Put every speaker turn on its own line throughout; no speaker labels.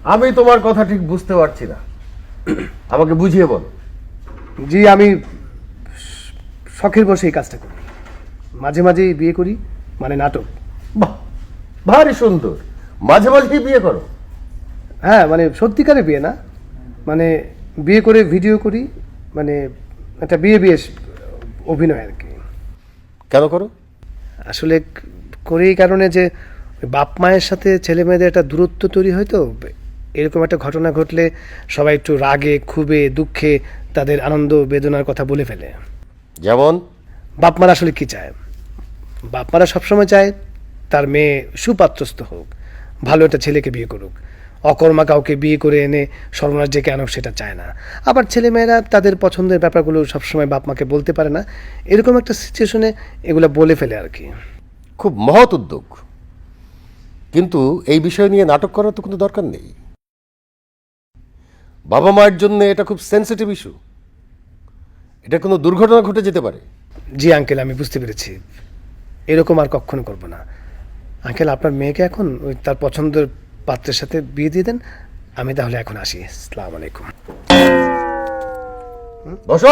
আমি তোমার কথা ঠিক বুঝতে পারছি না, আমাকে বুঝিয়ে বল।
জি, আমি শখের বসে এই কাজটা করি, মাঝে মাঝেই বিয়ে করি, মানে নাটক।
বাহ, ভারী সুন্দর। মাঝে মাঝেই বিয়ে করো?
হ্যাঁ, মানে সত্যিকারে বিয়ে না, মানে বিয়ে করে ভিডিও করি, মানে একটা বিয়ে বিয়ে অভিনয় আর কি।
কেন করো?
আসলে করি এই কারণে যে বাপ মায়ের সাথে ছেলে মেয়েদের একটা দূরত্ব তৈরি হয়, তো এরকম একটা ঘটনা ঘটলে সবাই একটু রাগে ক্ষোভে দুঃখে তাদের আনন্দ বেদনার কথা বলে ফেলে।
যেমন?
বাপ মারা আসলে কি চায়? বাপ মারা সবসময় চায় তার মেয়ে সুপাত্রস্থ হোক, ভালো একটা ছেলেকে বিয়ে করুক। অকর্মা কাউকে বিয়ে করে এনে সর্বনাশ ডেকে আনুক সেটা চায় না। আবার ছেলেমেয়েরা তাদের পছন্দের ব্যাপারগুলো সবসময় বাপ মাকে বলতে পারে না, এরকম একটা সিচুয়েশনে এগুলো বলে ফেলে আর কি।
খুব মহৎ উদ্যোগ, কিন্তু এই বিষয় নিয়ে নাটক করার তো কোনো দরকার নেই। বাবা মায়ের জন্য এটা খুব সেন্সিটিভ ইস্যু, এটা কোনো দুর্ঘটনা ঘটে যেতে পারে।
জি আঙ্কেল, আমি বুঝতে পেরেছি, এরকম আর কখনো করব না। আঙ্কেল, আপনার মেয়েকে এখন ওই তার পছন্দের পাত্রের সাথে বিয়ে দিয়ে দেন, আমি তাহলে এখন আসি। আসসালামু আলাইকুম।
বসো,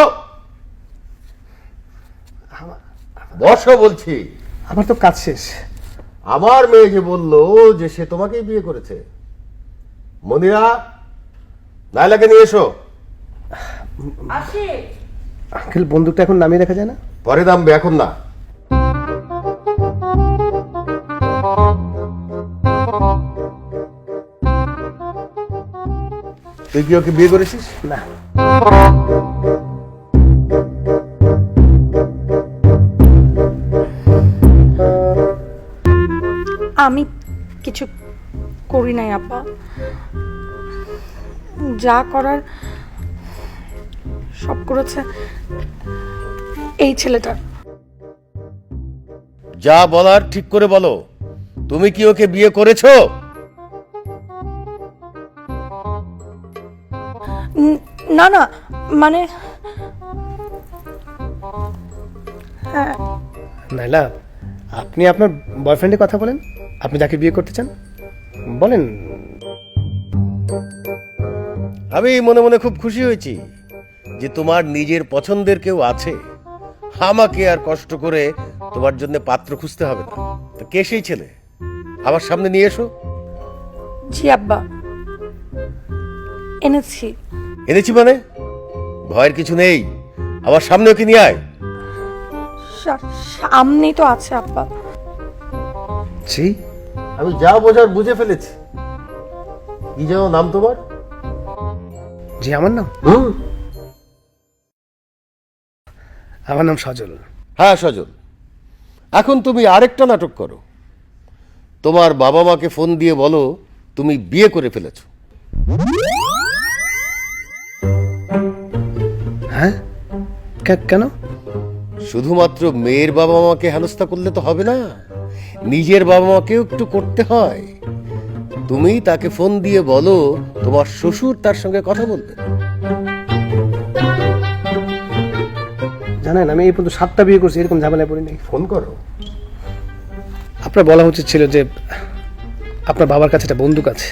বসো বলছি।
আমার তো কাজ শেষ।
আমার মেয়ে যে বললো যে সে তোমাকেই বিয়ে করেছে। মনিরা, নাইলাকে নিয়ে এসো।
আঙ্কেল, বন্দুকটা এখন নামিয়ে রাখা যায় না?
পরে নামবে, এখন না। তুই কি ওকে বিয়ে করেছিস?
না।
আমি কিছু করি নাই আপা, যা করার সব করেছে এই ছেলেটা।
যা বলার ঠিক করে বলো। তুমি কি ওকে বিয়ে করেছো?
না না, মানে হ্যাঁ।
নাইলা, আপনি আপনার বয়ফ্রেন্ডের কথা বলেন, আপনি যাকে বিয়ে করতে চান বলেন।
আমি মনে মনে খুব খুশি হয়েছি যে তোমার নিজের পছন্দের কেউ আছে। আমাকে আর কষ্ট করে তোমার জন্য পাত্র খুঁজতে হবে না। তো কে সেই ছেলে? আমার সামনে নিয়ে এসো।
জি আব্বা, এনেছি।
এনেছি মানে? ভয়ের কিছু নেই, আমার সামনে ওকে নিয়ে আয়।
সামনেই তো আছে আব্বা।
জি,
আমি যা বোঝার বুঝে ফেলেছি। কি যেন নাম তোমার?
জি, আমার নাম সজল।
হ্যাঁ, সজল। এখন তুমি আরেকটা নাটক করো। তোমার বাবা মাকে ফোন দিয়ে বলো তুমি বিয়ে করে ফেলেছো।
হ্যাঁ, কেন?
শুধুমাত্র মেয়ের বাবা মাকে হেনস্থা করলে তো হবে না, নিজের বাবা মাকেও একটু করতে হয়। তুমি তাকে ফোন দিয়ে বলো তোমার শ্বশুর তার সঙ্গে কথা বলবে।
জানেন, আমি এই পর্যন্ত 7টা বিয়ে করছি, এরকম ঝামেলায় পড়ি নাই।
ফোন করো।
আপনার বলা উচিত ছিল যে আপনার বাবার কাছে একটা বন্দুক আছে।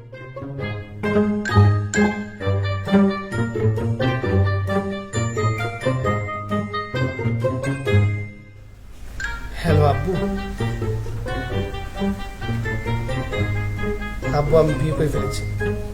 হ্যালো আব্বু। আব্বু, আমি বিয়ে করে ফেলেছি।